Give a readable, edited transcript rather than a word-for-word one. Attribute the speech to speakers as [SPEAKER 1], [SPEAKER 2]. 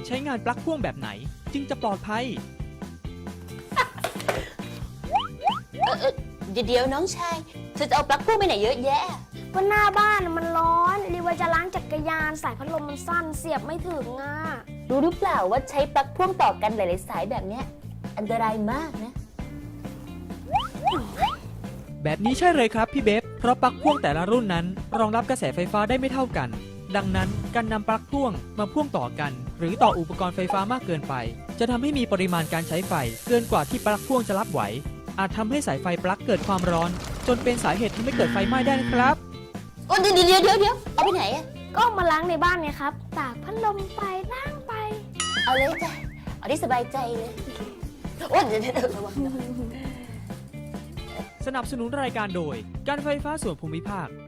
[SPEAKER 1] ใช้งานปลั๊กพ่วงแบบไหนจึงจะปลอดภัย
[SPEAKER 2] เดี๋ยวน้องชายเธอจะเอาปลั๊กพ่วงไปไหนเยอะแยะ
[SPEAKER 3] ก็หน้าบ้านมันร้อนรีว่าจะล้างจักรยานสายพัดลมมันสั้นเสียบไม่ถึงอ่ะ
[SPEAKER 2] รู้หรือเปล่าว่าใช้ปลั๊กพ่วงต่อกันหลายๆสายแบบเนี้ยอันตรายมากนะ
[SPEAKER 1] แบบนี้ใช่เลยครับพี่เบฟเพราะปลั๊กพ่วงแต่ละรุ่นนั้นรองรับกระแสไฟฟ้าได้ไม่เท่ากัน ดังนั้นการนำปลั๊กพ่วงมาพ่วงต่อกัน หรือต่ออุปกรณ์ไฟฟ้ามากเกินไป จะทำให้มีปริมาณการใช้ไฟเกินกว่าที่ปลั๊กพ่วงจะรับไหว อาจทำให้สายไฟปลั๊กเกิดความร้อน จนเป็นสาเหตุทำให้เกิดไฟไหม้ได้นะครับ
[SPEAKER 2] โอ้เดี๋ยวเอาไปไหนอะ
[SPEAKER 3] ก็เอามาล้างในบ้านไงครับตากพัดลมไปล้างไป
[SPEAKER 2] เอาเลยจ้ะเอาที่สบายใจเลยโอ้เดี๋ยวระวัง
[SPEAKER 1] สนับสนุนรายการโดยการไฟฟ้าส่วนภูมิภาค